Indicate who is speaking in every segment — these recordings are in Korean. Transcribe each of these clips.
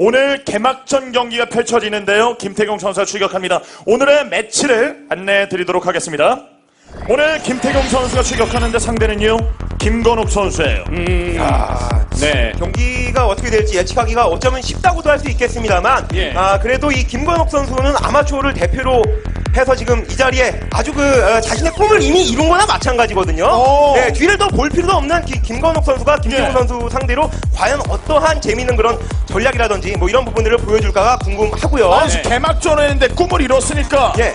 Speaker 1: 오늘 개막전 경기가 펼쳐지는데요. 김태경 선수가 출격합니다. 오늘의 매치를 안내해 드리도록 하겠습니다. 오늘 김태경 선수가 출격하는데 상대는요 김건욱 선수예요.
Speaker 2: 네. 경기가 어떻게 될지 예측하기가 어쩌면 쉽다고도 할 수 있겠습니다만
Speaker 3: 예.
Speaker 2: 그래도 이 김건욱 선수는 아마추어를 대표로 해서 지금 이 자리에 아주 자신의 꿈을 이미 이룬 거나 마찬가지거든요. 네, 뒤를 더 볼 필요도 없는 김건욱 선수가 김태경
Speaker 1: 예.
Speaker 2: 선수 상대로 과연 어떠한 재미있는 그런 전략이라든지 뭐 이런 부분들을 보여줄까가 궁금하고요.
Speaker 1: 아니, 개막전을 했는데 꿈을 이뤘으니까
Speaker 2: 예.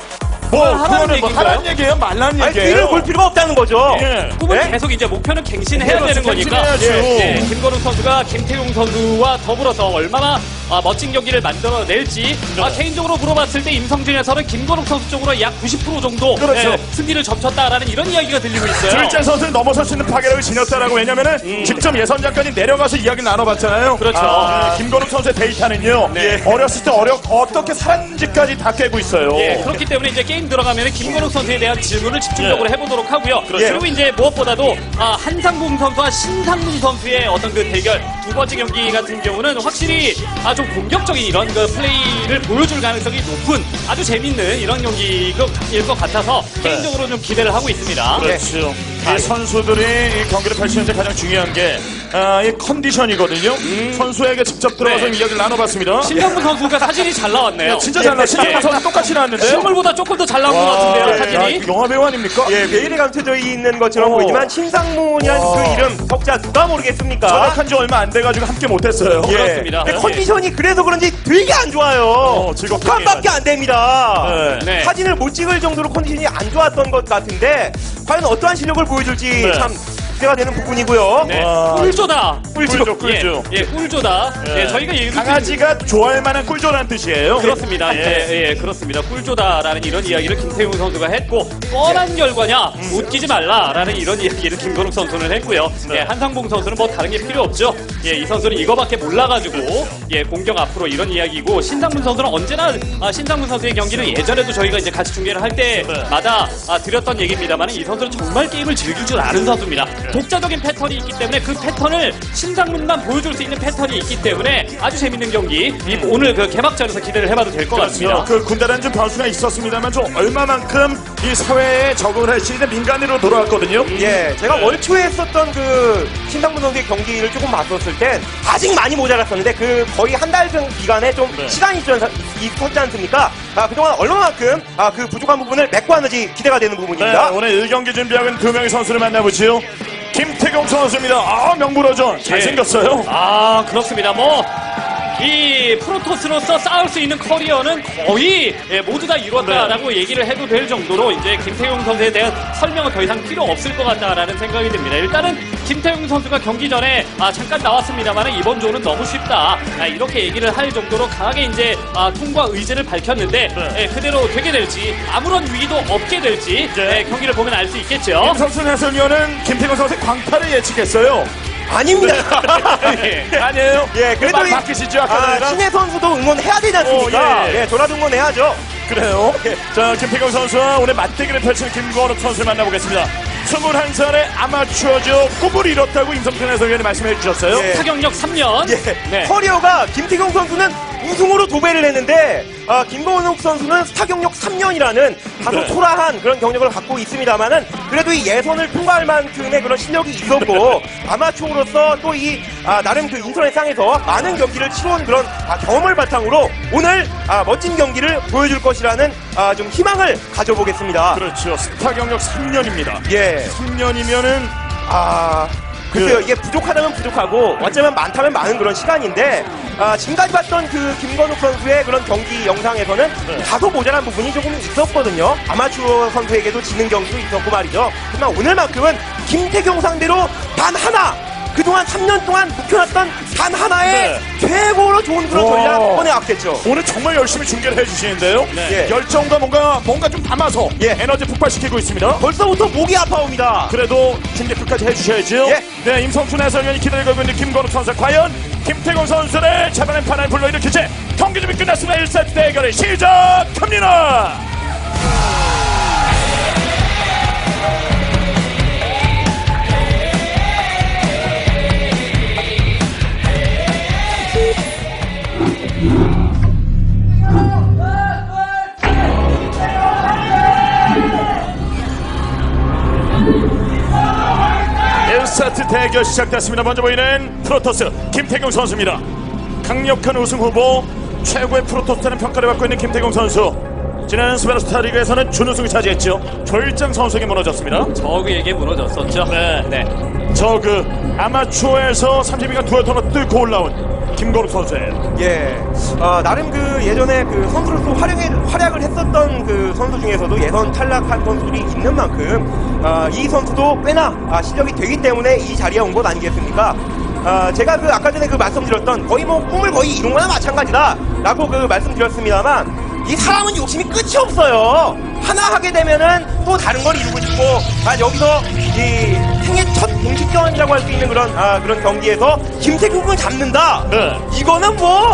Speaker 1: 그거는 뭐 하라는 얘기예요? 말라는
Speaker 2: 아니,
Speaker 1: 얘기예요?
Speaker 2: 뒤를 볼 필요가 없다는 거죠.
Speaker 1: 예.
Speaker 3: 꿈을
Speaker 2: 네?
Speaker 3: 계속 이제 목표는 갱신해야
Speaker 1: 그렇죠.
Speaker 3: 되는 거니까
Speaker 1: 갱신해야죠.
Speaker 3: 김건욱 선수가 김태용 선수와 더불어서 얼마나 멋진 경기를 만들어낼지 개인적으로 물어봤을 때 임성진에서는 김건욱 선수 쪽으로 약 90% 정도
Speaker 1: 그렇죠.
Speaker 3: 승리를 점쳤다라는 이런 이야기가 들리고 있어요.
Speaker 1: 줄자 선수는 넘어설 수 있는 파괴력을 지녔다라고. 왜냐면은 직접 예선전까지 내려가서 이야기를 나눠봤잖아요.
Speaker 3: 그렇죠.
Speaker 1: 김건욱 선수의 데이터는요.
Speaker 3: 네.
Speaker 1: 어렸을 때 어떻게 살았는지까지 다 깨고 있어요.
Speaker 3: 예, 그렇기 때문에 이제 게임 들어가면 김건욱 선수에 대한 질문을 집중적으로 해보도록 하고요.
Speaker 1: 그렇죠.
Speaker 3: 그리고 이제 무엇보다도 한상봉 선수와 신상문 선수의 어떤 그 대결 두 번째 경기 같은 경우는 확실히 좀 공격적인 이런 그 플레이를 보여줄 가능성이 높은 아주 재밌는 이런 경기일 것 같아서 개인적으로 좀 기대를 하고 있습니다.
Speaker 1: 그렇죠. 이 선수들이 이 경기를 펼치는데 가장 중요한 게 이 컨디션이거든요. 선수에게 직접 들어가서
Speaker 3: 네.
Speaker 1: 이야기를 나눠봤습니다.
Speaker 3: 신상문 선수가 사진이 잘 나왔네요.
Speaker 1: 진짜 잘 나왔어요. 신상문 선수 똑같이 나왔는데요.
Speaker 3: 실물보다 조금 더 잘 나온 것 같은데요, 사진이.
Speaker 1: 영화 배우 아닙니까?
Speaker 2: 예, 메일에 감춰져 있는 것처럼 보이지만 신상문이라는 그 이름 석자 누가 모르겠습니까?
Speaker 1: 전역한 지 얼마 안 돼가지고 함께 못했어요.
Speaker 2: 예.
Speaker 3: 그렇습니다.
Speaker 2: 근데
Speaker 3: 네.
Speaker 2: 컨디션이 그래서 그런지 되게 안 좋아요.
Speaker 1: 즐겁게
Speaker 2: 북한밖에 안 됩니다.
Speaker 1: 네.
Speaker 3: 네.
Speaker 2: 사진을 못 찍을 정도로 컨디션이 안 좋았던 것 같은데 과연 어떠한 실력을 보여줄지
Speaker 1: 네.
Speaker 2: 참 기대가 되는 부분이고요.
Speaker 3: 네.
Speaker 1: 와.
Speaker 3: 꿀조다.
Speaker 1: 꿀조, 꿀조.
Speaker 3: 예, 꿀조다.
Speaker 1: 예.
Speaker 3: 예, 저희가 얘기
Speaker 1: 강아지가 좋아할 만한 꿀조라는 뜻이에요.
Speaker 3: 그렇습니다. 예, 그렇습니다. 꿀조다라는 이런 이야기를 김태용 선수가 했고 뻔한 결과냐 웃기지 말라라는 이런 이야기를 김건욱 선수는 했고요.
Speaker 1: 네.
Speaker 3: 예, 한상봉 선수는 뭐 다른 게 필요 없죠. 예, 이 선수는 이거밖에 몰라가지고 공격 앞으로 이런 이야기고 신상문 선수는 언제나 신상문 선수의 경기는 예전에도 저희가 이제 같이 중계를 할 때마다 드렸던 얘기입니다만 이 선수는 정말 게임을 즐길 줄 아는 선수입니다. 독자적인 패턴이 있기 때문에 그 패턴을 신상문만 보여줄 수 있는 패턴이 있기 때문에 아주 재밌는 경기 오늘 그 개막전에서 기대를 해봐도 될 것 같습니다.
Speaker 1: 그 군대라는 좀 변수가 있었습니다만 좀 얼마만큼 이 사회에 적응을 할지 이제 민간인으로 돌아왔거든요.
Speaker 2: 예, 제가 월초에 했었던 그 신상문 선수의 경기를 조금 봤었을 땐 아직 많이 모자랐었는데 그 거의 한 달 기간에 좀
Speaker 1: 네.
Speaker 2: 시간이 있었지 않습니까? 그동안 얼마만큼 그 부족한 부분을 메꿔왔는지 기대가 되는
Speaker 1: 네,
Speaker 2: 부분입니다.
Speaker 1: 오늘 1경기 준비하고 있는 두 명의 선수를 만나보지요. 김태경 선수입니다. 명불허전 잘생겼어요.
Speaker 3: 그렇습니다. 이 프로토스로서 쌓을 수 있는 커리어는 거의 모두 다 이뤘다라고 얘기를 해도 될 정도로 이제 김태용 선수에 대한 설명은 더 이상 필요 없을 것 같다라는 생각이 듭니다. 일단은 김태용 선수가 경기 전에 잠깐 나왔습니다만 이번 조는 너무 쉽다 이렇게 얘기를 할 정도로 강하게 이제 통과 의지를 밝혔는데 그대로 되게 될지 아무런 위기도 없게 될지
Speaker 1: 네.
Speaker 3: 경기를 보면 알 수 있겠죠.
Speaker 1: 김성순 해설위원은 김태경 선수의 광탈을 예측했어요.
Speaker 2: 아닙니다.
Speaker 1: 아니에요?
Speaker 2: 예, 그래도
Speaker 1: 말 바뀌시죠? 아까 전에랑?
Speaker 2: 신혜 선수도 응원해야 되지 않습니까?
Speaker 1: 예.
Speaker 2: 저라도 응원해야죠.
Speaker 1: 그래요. 자, 김태경 선수와 오늘 맞대결을 펼치는 김건욱 선수를 만나보겠습니다. 21살의 아마추어죠. 꿈을 이뤘다고 임성준 해설위원이 말씀해 주셨어요.
Speaker 2: 예.
Speaker 3: 타격력 3년.
Speaker 2: 예.
Speaker 3: 네.
Speaker 2: 커리어가 김태경 선수는 우승으로 도배를 했는데 김건욱 선수는 스타경력 3년이라는 다소
Speaker 1: 네.
Speaker 2: 초라한 그런 경력을 갖고 있습니다만은 그래도 이 예선을 통과할 만큼의 그런 실력이 있었고 아마추어로서 또 이 나름 그 인터넷상에서 많은 경기를 치러온 그런 경험을 바탕으로 오늘 멋진 경기를 보여줄 것이라는 좀 희망을 가져보겠습니다.
Speaker 1: 그렇죠. 스타 경력 3년입니다.
Speaker 2: 예.
Speaker 1: 3년이면은
Speaker 2: 글쎄요, 이게 부족하다면 부족하고 어쩌면 많다면 많은 그런 시간인데 지금까지 봤던 그 김건욱 선수의 그런 경기 영상에서는 다소 모자란 부분이 조금 있었거든요. 아마추어 선수에게도 지는 경기도 있었고 말이죠. 하지만 오늘만큼은 김태경 상대로 단 하나 그동안 3년 동안 묵혀놨던 단 하나의 최고로 좋은 그런 전략 꺼내왔겠죠.
Speaker 1: 오늘 정말 열심히 중계를 해주시는데요.
Speaker 2: 네.
Speaker 1: 열정과 뭔가 좀 담아서 에너지 폭발시키고 있습니다.
Speaker 2: 벌써부터 목이 아파옵니다.
Speaker 1: 그래도 중계 끝까지 해주셔야죠.
Speaker 2: 예.
Speaker 1: 네, 임성춘 해설위원이 기다리고 있는 김건욱 선수. 과연 김태경 선수를 잡아낸 판을 불러일으킬지 경기 준비 끝났습니다. 1세트 대결을 시작합니다. 1세트 대결 시작됐습니다. 먼저 보이는 프로토스 김태경 선수입니다. 강력한 우승 후보, 최고의 프로토스라는 평가를 받고 있는 김태경 선수. 지난 스페르스타리그에서는 준우승을 차지했죠. 졸장 선수에게 무너졌습니다.
Speaker 3: 저그에게 무너졌었죠.
Speaker 1: 네. 저그 아마추어에서 32강 두어터너 뚫고 올라온 김건욱 선수예요.
Speaker 2: 예, 나름 그 예전에 그 선수로서 활약을 했었던 그 선수 중에서도 예선 탈락한 선수들이 있는 만큼 이 선수도 꽤나 실력이 되기 때문에 이 자리에 온 것 아니겠습니까? 제가 그 아까 전에 그 말씀드렸던 거의 뭐 꿈을 거의 이룬 거나 마찬가지다라고 그 말씀드렸습니다만 이 사람은 욕심이 끝이 없어요. 하나 하게 되면은 또 다른 걸 이루고 싶고, 여기서 이 생애 첫 공식전이라고 할 수 있는 그런 경기에서 김태균을 잡는다.
Speaker 1: 네.
Speaker 2: 이거는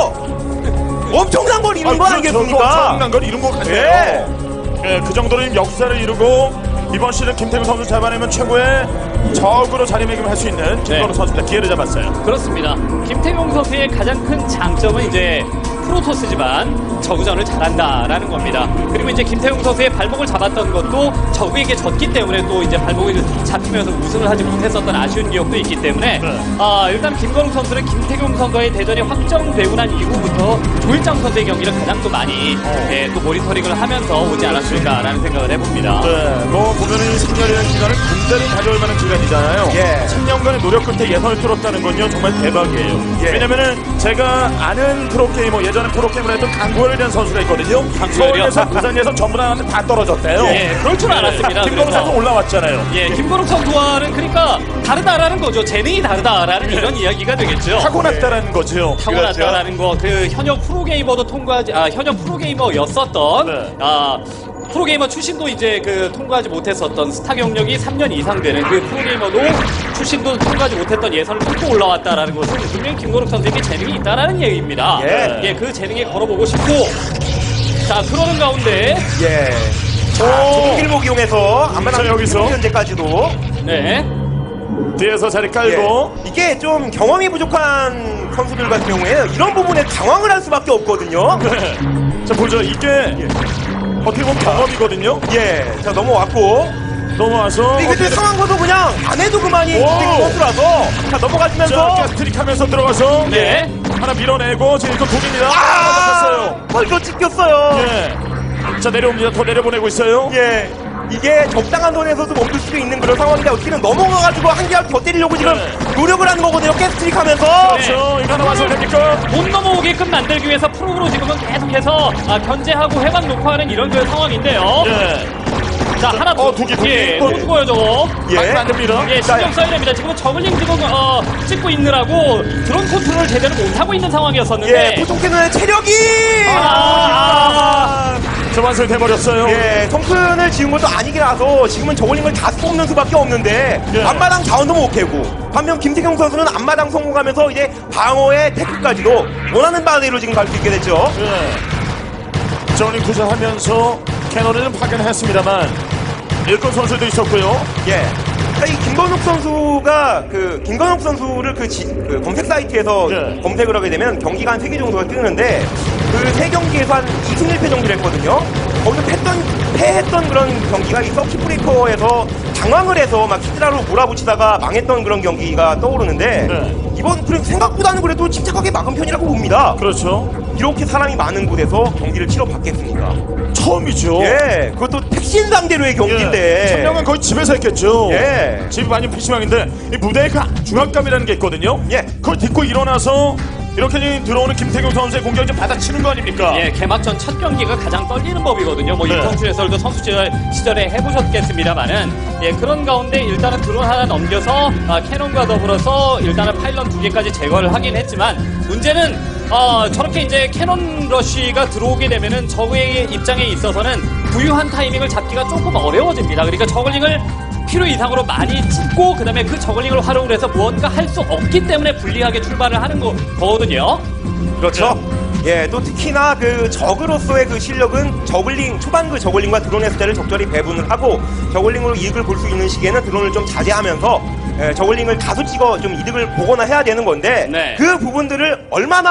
Speaker 2: 뭐 엄청난 걸 이룬 거 아니겠습니까?
Speaker 1: 엄청난 걸 이룬 것 같아요.
Speaker 2: 예.
Speaker 1: 예, 그 정도로 역사를 이루고 이번 시즌 김태균 선수 잡아내면 최고의 적으로 자리매김할 수 있는 김건욱 선수입니다. 기회를 잡았어요.
Speaker 3: 그렇습니다. 김태경 선수의 가장 큰 장점은 이제 프로토스지만 저그전을 잘한다라는 겁니다. 그리고 이제 김태경 선수의 발목을 잡았던 것도 저그에게 졌기 때문에 또 이제 발목이 잡히면서 우승을 하지 못했었던 아쉬운 기억도 있기 때문에 일단 김건욱 선수는 김태경 선수와의 대전이 확정되고 난 이후부터 조일장 선수의 경기를 가장 또 많이 또 모니터링을 하면서 오지 않았을까라는 생각을 해봅니다.
Speaker 1: 네, 뭐 보면은 이 3년이라는 기간을 군대를 가져올 만한 기간이잖아요.
Speaker 2: 예.
Speaker 1: 10년간의 노력 끝에 예선을 뚫었다는 건요 정말 대박이에요.
Speaker 2: 예.
Speaker 1: 왜냐면은 제가 아는 프로게이머, 예전에 프로게이머를 했던 강구열에 대한 선수가 있거든요.
Speaker 3: 강구열이요?
Speaker 1: 서울에서 부산에서 전부 다 떨어졌대요.
Speaker 3: 예, 그럴 줄 알았습니다.
Speaker 1: 김건욱
Speaker 3: 그래서.
Speaker 1: 선수 올라왔잖아요.
Speaker 3: 예, 김건욱 선수와는 그러니까 다르다라는 거죠. 재능이 다르다라는 이런 이야기가 되겠죠.
Speaker 1: 타고났다라는 거죠.
Speaker 3: 타고났다라는 거, 그 현역 프로게이머도 현역 프로게이머였었던
Speaker 1: 네.
Speaker 3: 프로게이머 출신도 이제 그 통과하지 못했었던 스타 경력이 3년 이상 되는 그 프로게이머도 출신도 통과하지 못했던 예선을 뚫고 올라왔다라는 것은 분명히 김건욱 선수에게 재능이 있다라는 얘기입니다.
Speaker 2: 예.
Speaker 3: 그 재능에 걸어보고 싶고, 자 그러는 가운데
Speaker 2: 예. 좁은 길목 이용해서
Speaker 1: 자,
Speaker 2: 안마당
Speaker 1: 여기서.
Speaker 2: 현재까지도
Speaker 3: 네.
Speaker 1: 뒤에서 자리 깔고
Speaker 2: 예. 이게 좀 경험이 부족한 선수들 같은 경우에 이런 부분에 당황을 할 수밖에 없거든요.
Speaker 1: 네. 자 보죠. 이게 어떻게 보면 경험이거든요.
Speaker 2: 예. 자 넘어왔고
Speaker 1: 넘어와서
Speaker 2: 이게 또 상황과도 그냥 안 해도 그만이
Speaker 1: 오.
Speaker 2: 김태균 선수라서 자
Speaker 1: 자,
Speaker 2: 넘어가시면서
Speaker 1: 가스트릭 하면서 들어가서
Speaker 3: 네.
Speaker 1: 하나 밀어내고 지금 이거 독입니다.
Speaker 2: 벌써 찍혔어요.
Speaker 1: 예. 자 내려옵니다. 더 내려보내고 있어요.
Speaker 2: 예. 이게 적당한 선에서도 멈출 수도 있는 그런 상황인데 어떻게는 넘어가가지고 한 개를 더 때리려고 지금
Speaker 1: 네.
Speaker 2: 노력을 하는 거거든요. 가스트릭 하면서.
Speaker 1: 그렇죠. 이거 하나 완성됩니까?
Speaker 3: 못 넘어오게끔 만들기 위해서 프로그로 지금은 계속해서 견제하고 회방 녹화하는 이런 그 상황인데요.
Speaker 1: 예.
Speaker 3: 자 하나 더.
Speaker 1: 두 개.
Speaker 3: 예, 또 죽어요 저거.
Speaker 2: 예.
Speaker 1: 가면 안 됩니다.
Speaker 3: 예, 신경 써야 됩니다. 지금 저글링 지금 찍고 있느라고 드론 컨트롤 제대로 못하고 있는 상황이었었는데.
Speaker 2: 예. 보통캐는 체력이.
Speaker 1: 자 완성돼버렸어요.
Speaker 2: 예, 성큰을 지은 것도 아니기라서 지금은 저글링을 다 뽑는 수밖에 없는데
Speaker 1: 예.
Speaker 2: 앞마당 자원도 못 캐고 반면 김태경 선수는 앞마당 성공하면서 이제 방어의 테크까지도 원하는 바대로 지금 갈 수 있게 됐죠.
Speaker 1: 예. 저울링 투자하면서 캐논을 좀 파견했습니다만 일꾼 선수도 있었고요.
Speaker 2: 예. 자, 이 김건욱 선수가 김건욱 선수를 그 검색 사이트에서
Speaker 1: 예.
Speaker 2: 검색을 하게 되면 경기가 한 3개 정도가 뜨는데 그 3경기에서 한 2승 1패 정도를 했거든요. 거기서 패했던 그런 경기가 이 서킷 브레이커에서 당황을 해서 막 히드라로 몰아붙이다가 망했던 그런 경기가 떠오르는데
Speaker 1: 네.
Speaker 2: 이번 그래도 생각보다는 그래도 침착하게 막은 편이라고 봅니다.
Speaker 1: 그렇죠.
Speaker 2: 이렇게 사람이 많은 곳에서 경기를 치러봤겠습니까?
Speaker 1: 처음이죠.
Speaker 2: 예, 그것도 택신 상대로의 경기인데.
Speaker 1: 천명은 거의 집에서 했겠죠.
Speaker 2: 예.
Speaker 1: 집이 많이 PC방인데 이 무대에 그 중압감이라는 게 있거든요.
Speaker 2: 예.
Speaker 1: 그걸 딛고 일어나서 이렇게 들어오는 김태경 선수의 공격을 좀 받아치는 거 아닙니까?
Speaker 3: 예, 개막전 첫 경기가 가장 떨리는 법이거든요. 뭐
Speaker 1: 네.
Speaker 3: 이성수 해설도 선수 시절에 해보셨겠습니다만은 예, 그런 가운데 일단은 드론 하나 넘겨서 캐논과 더불어서 일단은 파일럿 2개까지 제거를 하긴 했지만 문제는 저렇게 이제 캐논 러쉬가 들어오게 되면은 적의 입장에 있어서는 부유한 타이밍을 잡기가 조금 어려워집니다. 그러니까 저글링을 필요 이상으로 많이 찍고 그다음에 그 저글링을 활용을 해서 무언가 할 수 없기 때문에 불리하게 출발을 하는 거거든요.
Speaker 2: 그렇죠. 예, 또 특히나 그 적으로서의 그 실력은 초반 그 저글링과 드론의 숫자를 적절히 배분을 하고 저글링으로 이득을 볼 수 있는 시기에는 드론을 좀 자제하면서 저글링을 다수 찍어 좀 이득을 보거나 해야 되는 건데
Speaker 3: 네.
Speaker 2: 그 부분들을 얼마나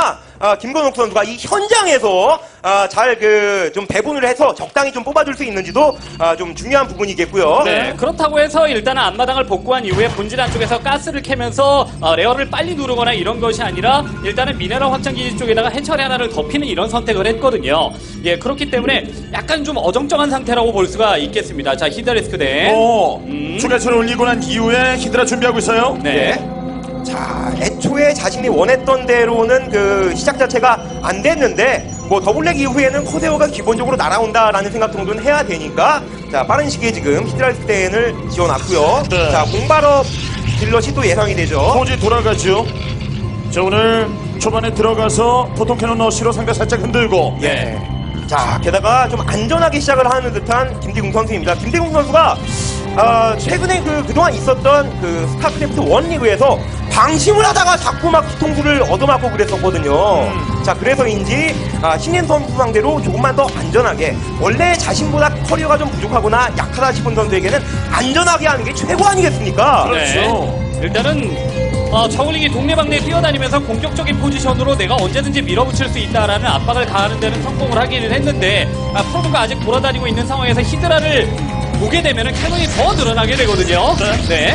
Speaker 2: 김건욱 선수가 이 현장에서 잘 좀 배분을 해서 적당히 좀 뽑아줄 수 있는지도 좀 중요한 부분이겠고요.
Speaker 3: 네, 그렇다고 해서 일단은 앞마당을 복구한 이후에 본질 안쪽에서 가스를 캐면서 레어를 빨리 누르거나 이런 것이 아니라 일단은 미네랄 확장기지 쪽에다가 해처리 하나를 덮이는 이런 선택을 했거든요. 예, 그렇기 때문에 약간 좀 어정쩡한 상태라고 볼 수가 있겠습니다. 자, 히드리스크 대.
Speaker 1: 추가체를 올리고 난 이후에 히드라 준비하고 있어요.
Speaker 3: 네.
Speaker 2: 자, 애초에 자신이 원했던 대로는 그 시작 자체가 안 됐는데 뭐 더블랙 이후에는 코세오가 기본적으로 날아온다라는 생각 정도는 해야 되니까 자, 빠른 시기에 지금 히드랄스텐을 지어놨고요.
Speaker 1: 네.
Speaker 2: 자, 공발업 딜럿이 또 예상이 되죠.
Speaker 1: 포지 돌아가죠. 자, 오늘 초반에 들어가서 포통 캐논 러시로 상대 살짝 흔들고.
Speaker 2: 예. 자, 게다가 좀 안전하게 시작을 하는 듯한 김대궁 선수입니다. 김대궁 선수가 최근에 그동안 있었던 그 스타크래프트 1 리그에서 방심을 하다가 자꾸 막 뒤통수를 얻어맞고 그랬었거든요. 자, 그래서인지 신인 선수 상대로 조금만 더 안전하게, 원래 자신보다 커리어가 좀 부족하거나 약하다 싶은 선수에게는 안전하게 하는 게 최고 아니겠습니까?
Speaker 1: 그렇죠.
Speaker 3: 네. 일단은 저글링이 동네방네 뛰어다니면서 공격적인 포지션으로 내가 언제든지 밀어붙일 수 있다라는 압박을 가하는 데는 성공을 하기는 했는데 프로브가 아직 돌아다니고 있는 상황에서 히드라를 보게 되면 캐논이 더 늘어나게 되거든요.
Speaker 1: 네.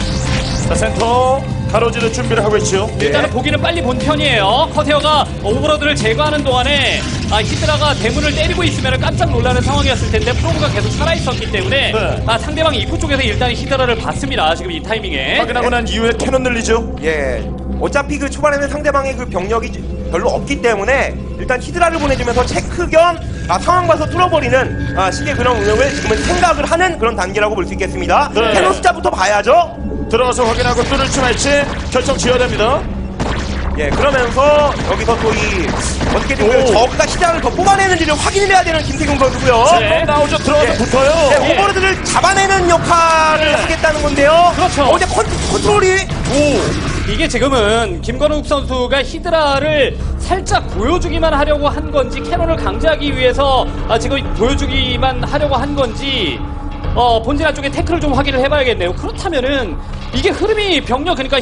Speaker 1: 자, 센터 가로지를 준비를 하고 있죠.
Speaker 3: 일단은 보기는 빨리 본 편이에요. 커세어가 오버로드를 제거하는 동안에 히드라가 대문을 때리고 있으면 깜짝 놀라는 상황이었을 텐데 프로브가 계속 살아있었기 때문에
Speaker 1: 네.
Speaker 3: 상대방 입구 쪽에서 일단 히드라를 봤습니다. 지금 이 타이밍에.
Speaker 1: 확인하고 난 이후에 캐논 늘리죠.
Speaker 2: 예. 어차피 그 초반에는 상대방의 그 병력이 별로 없기 때문에 일단 히드라를 보내주면서 체크 겸 상황 봐서 뚫어버리는 식의 그런 운영을 지금은 생각을 하는 그런 단계라고 볼 수 있겠습니다.
Speaker 1: 네.
Speaker 2: 캐논 숫자부터 봐야죠.
Speaker 1: 들어가서 확인하고 뚫을지 말지 결정 지어야 됩니다.
Speaker 2: 예, 그러면서 여기서 또 어떻게든 그 저그가 시장을 더 뽑아내는지를 확인을 해야 되는 김태경 선수고요.
Speaker 1: 네. 나오죠. 들어가서
Speaker 3: 예.
Speaker 1: 붙어요.
Speaker 2: 네, 오버로드를 잡아내는 역할을 하겠다는 건데요.
Speaker 3: 그렇죠.
Speaker 2: 근데 컨트롤이
Speaker 3: 이게 지금은 김건욱 선수가 히드라를 살짝 보여주기만 하려고 한 건지 캐논을 강제하기 위해서 지금 보여주기만 하려고 한 건지 본진 안쪽에 태클을 좀 확인을 해봐야겠네요. 그렇다면은 이게 흐름이 병력, 그러니까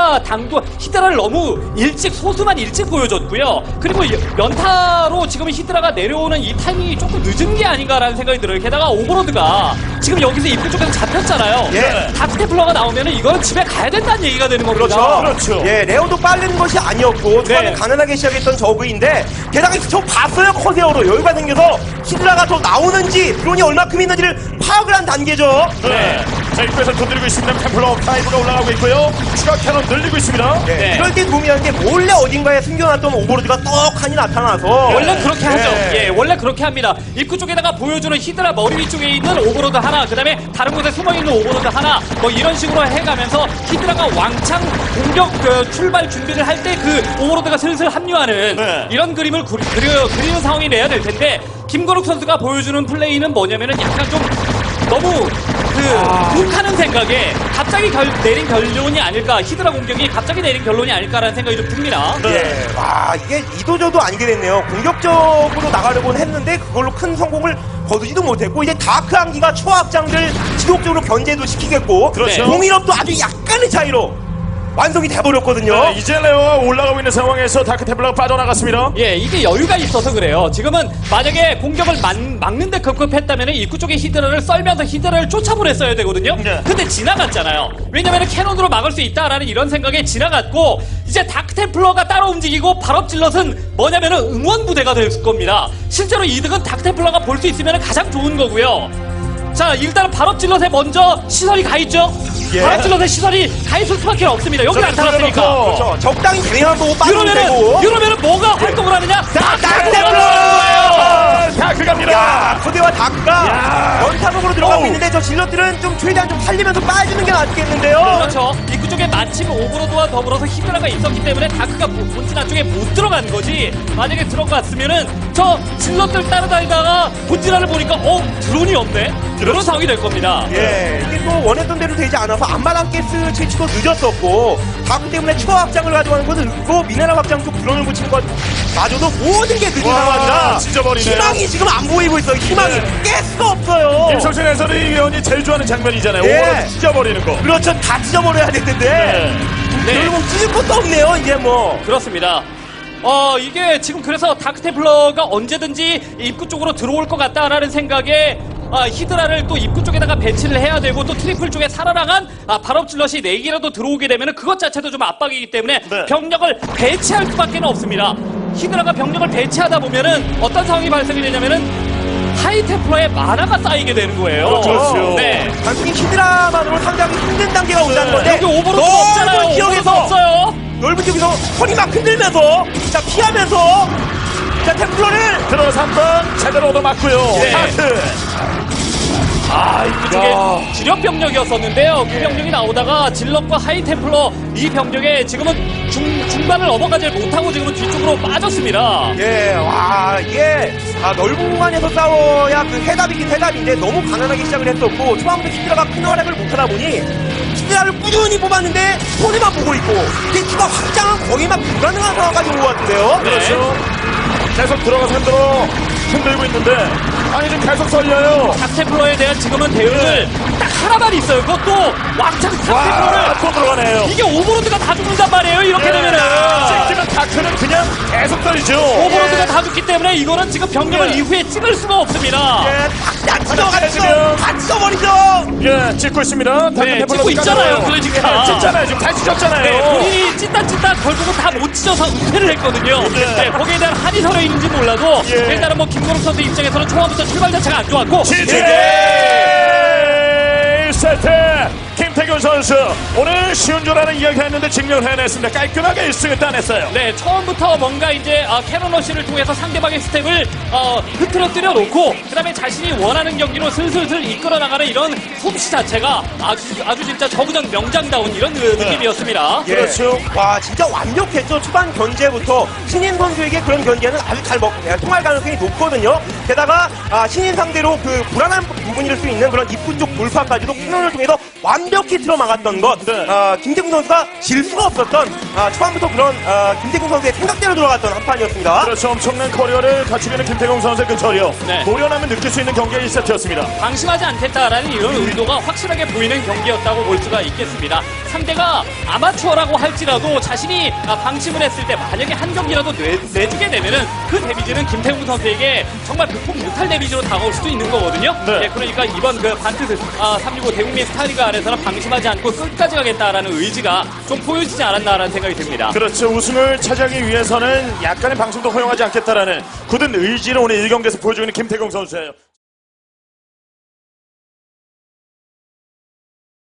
Speaker 3: 히드라를 너무 소수만 일찍 보여줬고요. 그리고 연타로 지금 히드라가 내려오는 이 타이밍이 조금 늦은 게 아닌가라는 생각이 들어요. 게다가 오버로드가 지금 여기서 입구 쪽에서 잡혔잖아요.
Speaker 2: 예.
Speaker 3: 다크테플러가 나오면은 이거는 집에 가야 된다는 얘기가 되는 겁니다.
Speaker 2: 그렇죠.
Speaker 1: 그렇죠.
Speaker 2: 예, 레오도 빠른 것이 아니었고 초반에
Speaker 3: 네.
Speaker 2: 가난하게 시작했던 저그인데 게다가 저 봤어요. 커세어로 여유가 생겨서 히드라가 더 나오는지 드론이 얼마큼 있는지를 파악을 한 단계죠.
Speaker 1: 네. 자, 입구에서 두드리고 있습니다. 템플러 5가 올라가고 있고요. 추가 캐논 늘리고 있습니다.
Speaker 2: 예,
Speaker 3: 네.
Speaker 2: 이럴 때 도움이 하는 게 몰래 어딘가에 숨겨놨던 오버로드가 떡하니 나타나서
Speaker 3: 원래 그렇게 하죠.
Speaker 2: 예.
Speaker 3: 예, 원래 그렇게 합니다. 입구 쪽에다가 보여주는 히드라 머리 위쪽에 있는 오버로드 하나, 그 다음에 다른 곳에 숨어있는 오버로드 하나, 뭐 이런 식으로 해가면서 히드라가 왕창 공격 출발 준비를 할 때 그 오버로드가 슬슬 합류하는
Speaker 1: 네.
Speaker 3: 이런 그림을 그리는 상황이 돼야 될 텐데 김건욱 선수가 보여주는 플레이는 뭐냐면은 약간 좀 너무 욱하는 생각에 갑자기 내린 결론이 아닐까, 히드라 공격이 갑자기 내린 결론이 아닐까라는 생각이 좀 듭니다.
Speaker 2: 예, 와 이게 이도저도 아니게 됐네요. 공격적으로 나가려고는 했는데 그걸로 큰 성공을 거두지도 못했고 이제 다크 한기가 초확장들 지속적으로 견제도 시키겠고
Speaker 1: 그렇죠.
Speaker 2: 공인업도 아주 약간의 차이로 완성이 돼버렸거든요.
Speaker 1: 네, 이제 레오가 올라가고 있는 상황에서 다크 템플러가 빠져나갔습니다.
Speaker 3: 예, 이게 여유가 있어서 그래요. 지금은 만약에 공격을 막는데 급급했다면 입구 쪽에 히드라를 썰면서 히드라를 쫓아보냈어야 되거든요.
Speaker 1: 네.
Speaker 3: 근데 지나갔잖아요. 왜냐면 캐논으로 막을 수 있다라는 이런 생각에 지나갔고 이제 다크템플러가 따로 움직이고 발업질럿은 뭐냐면은 응원부대가 될 겁니다. 실제로 이득은 다크템플러가 볼 수 있으면 가장 좋은 거고요. 자, 일단은 발업질럿에 먼저 시설이 가 있죠.
Speaker 2: 예.
Speaker 3: 발업질럿에 시설이 가 있을 수밖에 없습니다. 여기
Speaker 1: 저기
Speaker 3: 나타났으니까.
Speaker 1: 들어놓고.
Speaker 2: 그렇죠. 적당히 대응한 거고 빠지면 되고.
Speaker 3: 이러면은 뭐가 활동을 하느냐?
Speaker 1: 다크 갑니다.
Speaker 2: 야, 코데와 다크가
Speaker 1: 야.
Speaker 2: 연타목으로 들어가고
Speaker 1: 어우.
Speaker 2: 있는데 저 질럿들은 좀 최대한 좀 살리면서 빠지는 게 낫겠는데요.
Speaker 3: 그렇죠. 입구 쪽에 마침 오브로드와 더불어서 히드라가 있었기 때문에 다크가 본진 안쪽에 못 들어간 거지. 만약에 들어갔으면은 저 질럿들 따라다니다가 본진안을 보니까 드론이 없네. 그런 상황이 될 겁니다.
Speaker 2: 예, 이게 또 원했던 대로 되지 않아서 안마당 가스 채취도 늦었었고 다크 때문에 추가 확장을 가져가는 것도 늦고 미네랄 확장 쪽 드론을 붙이는 것 마저도 모든 게 늦은
Speaker 1: 와,
Speaker 2: 상황이라
Speaker 1: 진짜 버리네요.
Speaker 2: 희망이 지금 안 보이고 있어요. 희망이 깰 수가 없어요.
Speaker 1: 김성신 해설위원이 제일 좋아하는 장면이잖아요.
Speaker 2: 예.
Speaker 1: 오버로드 찢어버리는 거.
Speaker 2: 그렇죠. 다 찢어버려야 되는데
Speaker 3: 네.
Speaker 2: 결국 찢을 것도 없네요. 이제 뭐.
Speaker 3: 그렇습니다. 이게 지금 그래서 다크테플러가 언제든지 입구 쪽으로 들어올 것 같다라는 생각에 히드라를 또 입구 쪽에다가 배치를 해야 되고 또 트리플 쪽에 살아나간 발업질럿이 4개라도 들어오게 되면 그것 자체도 좀 압박이기 때문에
Speaker 1: 네.
Speaker 3: 병력을 배치할 수밖에 없습니다. 히드라가 병력을 배치하다 보면은 어떤 상황이 발생이 되냐면은 하이테플러의 만화가 쌓이게 되는 거예요.
Speaker 1: 그렇죠.
Speaker 3: 네.
Speaker 2: 단순히 히드라만으로 상당히 힘든 단계가 온다는 건데
Speaker 3: 여기 오버로드 없잖아요.
Speaker 2: 넓은
Speaker 3: 오버로드
Speaker 2: 지역에서
Speaker 3: 없어요.
Speaker 2: 넓은 지역에서 허리 막 흔들면서 자 피하면서 자 템플러를
Speaker 1: 들어가서 한번 제대로 얻어맞고요.
Speaker 3: 네.
Speaker 1: 하트.
Speaker 3: 그쪽에
Speaker 1: 야.
Speaker 3: 지력 병력이었었는데요. 그 병력이 나오다가 질럿과 하이템플러 이 병력에 지금은 중반을 넘어가지 못하고 지금은 뒤쪽으로 빠졌습니다.
Speaker 2: 예, 와, 이게, 넓은 공간에서 싸워야 그 해답이긴 해답인데 너무 가난하게 시작을 했었고, 초반부터 히드라가 큰 활약을 못하다 보니, 히드라를 꾸준히 뽑았는데, 손해만 보고 있고, 이게 추가 확장은 거의 막 불가능한 상황까지 온 것 같은데요?
Speaker 1: 그렇죠. 계속 들어가서 흔들고 있는데 아니 지금 계속 썰려요.
Speaker 3: 닥테플러에 대한 지금은 대응을 딱 하나만 있어요. 그것도 왕창 닥테플러를
Speaker 1: 와, 또 들어가네요.
Speaker 3: 이게 오버로드가 다 죽는단 말이에요. 이렇게 되면은
Speaker 1: 찍히면 다크는 그냥 계속 떨리죠.
Speaker 3: 오버로드가 다 죽기 때문에 이거는 지금 병력을
Speaker 1: 예.
Speaker 3: 이후에 찍을 수가 없습니다.
Speaker 2: 예, 다
Speaker 1: 해주면.
Speaker 2: 찢어버리죠!
Speaker 1: 예, 찍고 있습니다.
Speaker 3: 네, 찍고 있잖아요. 그러니까.
Speaker 1: 찍잖아요. 지금 다
Speaker 3: 네,
Speaker 1: 찢었잖아요.
Speaker 3: 본인이 찐따 결국은 다 못 찢어서 은퇴를 했거든요.
Speaker 1: 예.
Speaker 3: 네, 거기에 대한 한이 서려 있는지 몰라도
Speaker 1: 예.
Speaker 3: 일단은 뭐 김건욱 선수 입장에서는 초반부터 출발 자체가 안 좋았고
Speaker 1: 지지대 1세트 김태균 선수 오늘 쉬운 줄 아는 이야기 했는데 증명을 해냈습니다. 깔끔하게 1승을 따냈어요.
Speaker 3: 네, 처음부터 뭔가 이제 캐논러시를 통해서 상대방의 스텝을 흐트러뜨려 놓고 그다음에 자신이 원하는 경기로 슬슬슬 이끌어 나가는 이런 솜씨 자체가 아주 진짜 저구전 명장다운 이런 느낌이었습니다.
Speaker 2: 예.
Speaker 1: 그렇죠.
Speaker 2: 와, 진짜 완벽했죠. 초반 견제부터 신인 선수에게 그런 견제는 아주 잘 통할 가능성이 높거든요. 게다가 신인 상대로 그 불안한 부분일 수 있는 그런 입구 쪽 돌파까지도 캐논을 통해서 완벽히 틀어막았던 것.
Speaker 1: 네.
Speaker 2: 김태균 선수가 질 수가 없었던 초반부터 그런 김태균 선수의 생각대로 돌아갔던 한 판이었습니다.
Speaker 1: 그렇죠. 엄청난 커리어를 갖추고 있는 김태경 선수의 그 저력.
Speaker 3: 네.
Speaker 1: 노련하면 느낄 수 있는 경기가 1세트였습니다.
Speaker 3: 방심하지 않겠다라는 이런 의도가 확실하게 보이는 경기였다고 볼 수가 있겠습니다. 상대가 아마추어라고 할지라도 자신이 방심을 했을 때 만약에 한 경기라도 내주게 되면은 그 데미지는 김태훈 선수에게 정말 극복 못할 데미지로 다가올 수도 있는 거거든요.
Speaker 1: 네.
Speaker 3: 예, 그러니까 이번 그 반트 365 대국민 스타리가 안에서는 방심하지 않고 끝까지 가겠다라는 의지가 좀 보여지지 않았나라는 생각이 듭니다.
Speaker 1: 그렇죠. 우승을 차지하기 위해서는 약간의 방송도 허용하지 않겠다라는 굳은 의지를 오늘 1경기에서 보여주고 있는 김태경 선수예요.